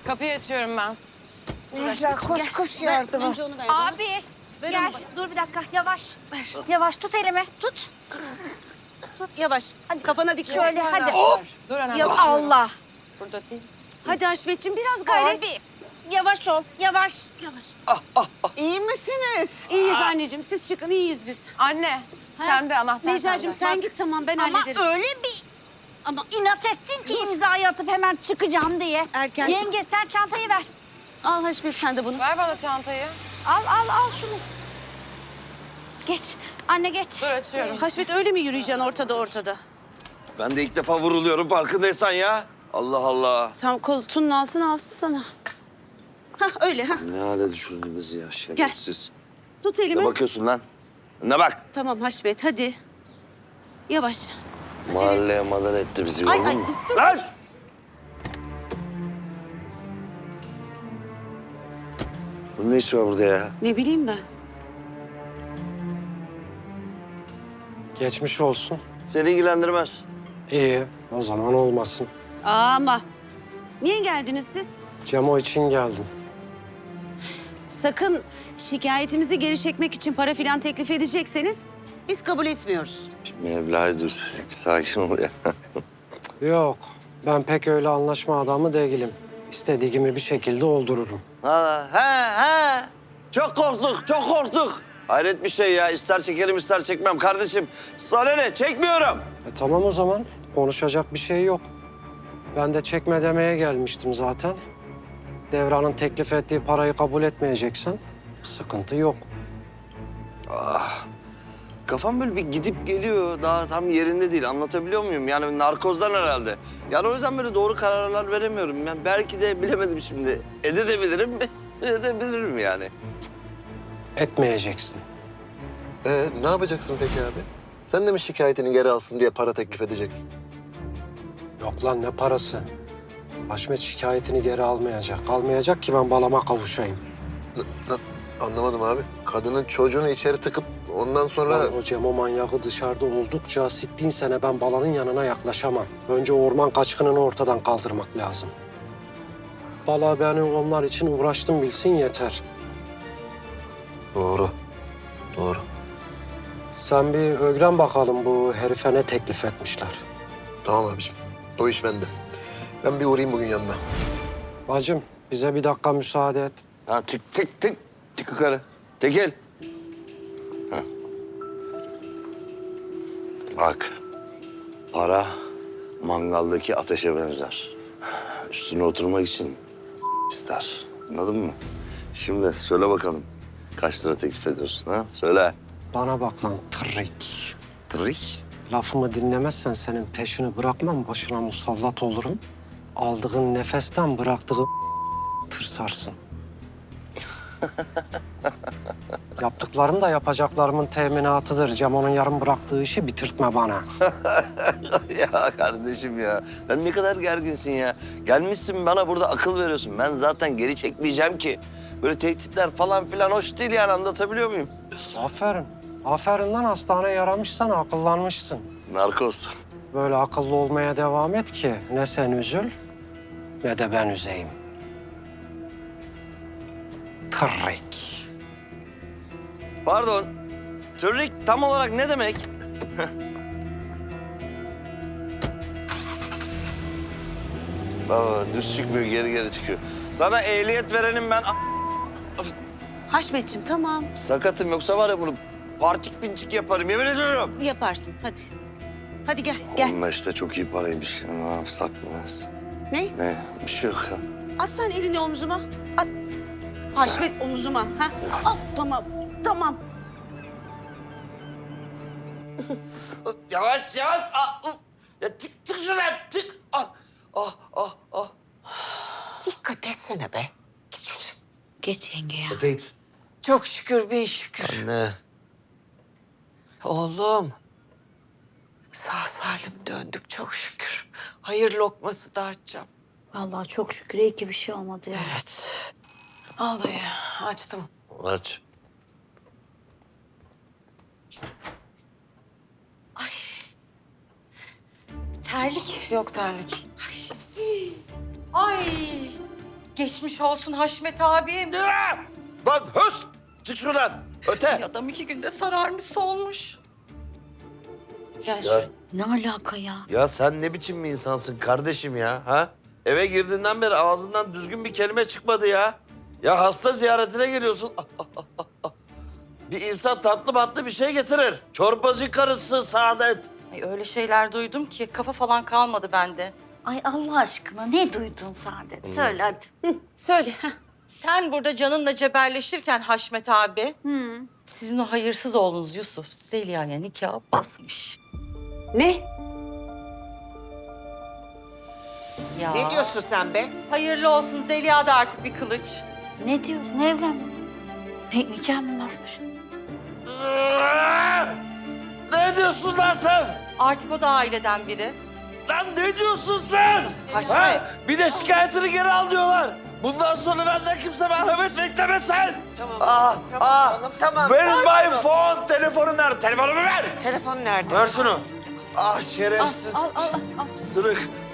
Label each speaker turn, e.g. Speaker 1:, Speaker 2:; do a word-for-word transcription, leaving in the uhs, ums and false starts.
Speaker 1: Kapıyı açıyorum ben.
Speaker 2: Necla koş koş yardıma.
Speaker 3: Önce onu ver bana.
Speaker 4: Abi
Speaker 3: Ver
Speaker 4: gel.
Speaker 3: onu bana.
Speaker 4: Dur bir dakika. Yavaş. Yavaş tut elimi. Tut.
Speaker 3: Yavaş. Kafana dikkat
Speaker 4: Şöyle,
Speaker 3: et.
Speaker 4: hadi.
Speaker 1: Dur anam.
Speaker 3: Ya
Speaker 4: Allah.
Speaker 1: Burada değil.
Speaker 3: Hadi Haşmetciğim biraz gayret.
Speaker 4: Abi. Yavaş ol. Yavaş.
Speaker 3: Yavaş.
Speaker 2: İyi misiniz?
Speaker 3: İyiyiz anneciğim. Siz çıkın iyiyiz biz.
Speaker 1: Anne, sen de anahtar
Speaker 3: Necla'cığım
Speaker 1: sende.
Speaker 3: sen git tamam ben
Speaker 4: Ama
Speaker 3: hallederim.
Speaker 4: öyle bir
Speaker 3: Ama
Speaker 4: inat ettin ki imzayı atıp hemen çıkacağım diye.
Speaker 3: Erken çık-
Speaker 4: Yenge sen çantayı ver.
Speaker 3: al Haşmet sen de bunu.
Speaker 1: Ver bana çantayı.
Speaker 4: Al al al şunu. Geç. Anne geç.
Speaker 1: Dur açıyorum.
Speaker 3: Haşmet öyle mi yürüyeceksin ortada ortada?
Speaker 5: Ben de ilk defa vuruluyorum farkındaysan ya. Allah Allah.
Speaker 3: Tam koltuğunun altına alsın sana. Hah öyle ha.
Speaker 5: Ne hale düşürdü bizi ya şerefsiz.
Speaker 3: Tut
Speaker 5: Ne
Speaker 3: elimi.
Speaker 5: bakıyorsun lan? Ne bak.
Speaker 3: Tamam Haşmet hadi. Yavaş. Acele et.
Speaker 5: Mahalleye madar etti bizi.
Speaker 3: Ay,
Speaker 5: gördün
Speaker 3: ay,
Speaker 5: mü?
Speaker 3: dur, dur.
Speaker 5: Lan! Bunun ne işi var burada ya?
Speaker 3: Ne bileyim ben.
Speaker 6: Geçmiş olsun.
Speaker 5: Seni ilgilendirmez.
Speaker 6: İyi, o zaman olmasın.
Speaker 3: Ama niye geldiniz siz?
Speaker 6: Cemo için geldim.
Speaker 3: Sakın şikayetimizi geri çekmek için para filan teklif edecekseniz biz kabul etmiyoruz.
Speaker 5: Mevla'yı dur, bir sakin ol ya.
Speaker 6: Yok, ben pek öyle anlaşma adamı değilim. İstediğimi bir şekilde oldururum.
Speaker 5: Ha, he, he. Çok korktuk, çok korktuk. Hayret bir şey ya. İster çekerim, ister çekmem. Kardeşim, sana ne? Çekmiyorum.
Speaker 6: E tamam o zaman, konuşacak bir şey yok. Ben de çekme demeye gelmiştim zaten. Devran'ın teklif ettiği parayı kabul etmeyeceksen sıkıntı yok.
Speaker 5: Ah. Kafam böyle bir gidip geliyor. Daha tam yerinde değil. Anlatabiliyor muyum? Yani narkozdan herhalde. Yani o yüzden böyle doğru kararlar veremiyorum. Yani belki de bilemedim şimdi. Edebilirim, edebilirim yani.
Speaker 6: Etmeyeceksin.
Speaker 7: Ee, ne yapacaksın peki abi? Sen de mi şikayetini geri alsın diye para teklif edeceksin?
Speaker 6: Yok lan ne parası? Haşmet şikayetini geri almayacak. Almayacak ki ben balama kavuşayım.
Speaker 7: N- nasıl? Anlamadım abi. Kadının çocuğunu içeri tıkıp ondan sonra...
Speaker 6: Lan o Cemo manyağı dışarıda oldukça sittin sene ben balanın yanına yaklaşamam. Önce orman kaçkınını ortadan kaldırmak lazım. Bala beni onlar için uğraştım bilsin yeter.
Speaker 7: Doğru. Doğru.
Speaker 6: Sen bir öğren bakalım bu herife ne teklif etmişler.
Speaker 7: Tamam abiciğim. O iş bende. Ben bir uğrayayım bugün yanına.
Speaker 6: Bacım bize bir dakika müsaade et.
Speaker 5: Ha, tık tık tık. Tık yukarı. Tekil. Ha. Bak. Para mangaldaki ateşe benzer. Üstüne oturmak için ister. Anladın mı? Şimdi söyle bakalım. Kaç lira teklif ediyorsun ha? Söyle.
Speaker 6: Bana bak lan tırrik.
Speaker 5: Trik.
Speaker 6: Lafımı dinlemezsen senin peşini bırakmam, başına musallat olurum. Aldığın nefesten bıraktığın tırsarsın. Yaptıklarım da yapacaklarımın teminatıdır. Cemo'nun yarım bıraktığı işi bitirtme bana.
Speaker 5: Ya kardeşim ya. Sen ne kadar gerginsin ya. Gelmişsin bana burada akıl veriyorsun. Ben zaten geri çekmeyeceğim ki. Böyle tehditler falan filan hoş değil yani, anlatabiliyor muyum?
Speaker 6: Aferin. Aferin lan, hastane yaramışsan akıllanmışsın.
Speaker 5: Narkoz.
Speaker 6: Böyle akıllı olmaya devam et ki ne sen üzül ne de ben üzeyim. Tırrik.
Speaker 5: Pardon. Tırrik tam olarak ne demek? Baba düz çıkmıyor, geri geri çıkıyor. Sana ehliyet verenim ben.
Speaker 3: Haşmetciğim tamam
Speaker 5: Sakatım, yoksa var ya bunu parçık pinçik yaparım, yemin ediyorum.
Speaker 3: yaparsın hadi. Hadi gel gel.
Speaker 5: on beşte çok iyi paraymış. Ne yapsak biraz?
Speaker 3: Ne?
Speaker 5: Ne? Bir şey yok ya.
Speaker 3: At sen elini omzuma. At. Haşmet omzuma. Ha? Al tamam. Tamam.
Speaker 5: Yavaş yavaş. Ah, uf. Ya tık tık şuradan tık. Ah ah ah ah.
Speaker 2: Dikkat etsene be. Git şuraya.
Speaker 4: Geç yenge ya.
Speaker 5: Teyit.
Speaker 2: Çok şükür bin şükür.
Speaker 5: Anne.
Speaker 2: Oğlum. Sağ salim döndük çok şükür. Hayır lokması dağıtacağım.
Speaker 4: Vallahi çok şükür iyi ki bir şey olmadı ya.
Speaker 2: Evet.
Speaker 1: Al dayı. Açtım.
Speaker 5: Aç.
Speaker 2: Ay. Terlik.
Speaker 1: Yok terlik.
Speaker 2: Ay. geçmiş olsun Haşmet abim.
Speaker 5: Ya! Bak höst! Çık şuradan. Öte.
Speaker 2: Adam iki günde sararmış solmuş. Gel
Speaker 5: Ya,
Speaker 4: Ne alaka ya?
Speaker 5: ya sen ne biçim bir insansın kardeşim ya? Ha? Eve girdiğinden beri ağzından düzgün bir kelime çıkmadı ya. Ya hasta ziyaretine geliyorsun. Ah, ah, ah, ah, ah. Bir insan tatlı matlı bir şey getirir. Çorbacı karısı Saadet.
Speaker 2: Ay, öyle şeyler duydum ki kafa falan kalmadı bende.
Speaker 4: Ay Allah aşkına ne duydun Saadet? Söyle hadi.
Speaker 2: Söyle. Heh. Sen burada canınla cebelleşirken Haşmet abi,
Speaker 4: Hı.
Speaker 2: sizin o hayırsız oğlunuz Yusuf Zeliha'ya nikah basmış.
Speaker 3: Ne?
Speaker 2: Ya.
Speaker 3: Ne diyorsun sen be?
Speaker 2: Hayırlı olsun, Zeliha da artık bir kılıç.
Speaker 4: Ne diyorsun? Ne evlenme? Ne, nikah mı basmış?
Speaker 5: Ah! Ne diyorsun lan sen?
Speaker 2: Artık o da aileden biri.
Speaker 5: Lan ne diyorsun sen?
Speaker 2: Haşmet.
Speaker 5: Ha? Bir de şikayetini geri al diyorlar. Bundan sonra benden kimse merhamet beklemesin.
Speaker 2: Tamam.
Speaker 5: Ah,
Speaker 2: tamam,
Speaker 5: ah.
Speaker 2: oğlum, tamam.
Speaker 5: Where is
Speaker 2: Sakin
Speaker 5: my
Speaker 2: ol.
Speaker 5: phone? Telefonum nerede? Telefonumu ver.
Speaker 2: Telefon nerede?
Speaker 5: Ver şunu. Ah şerefsiz.
Speaker 2: Al, al, al, al.
Speaker 5: Sırık.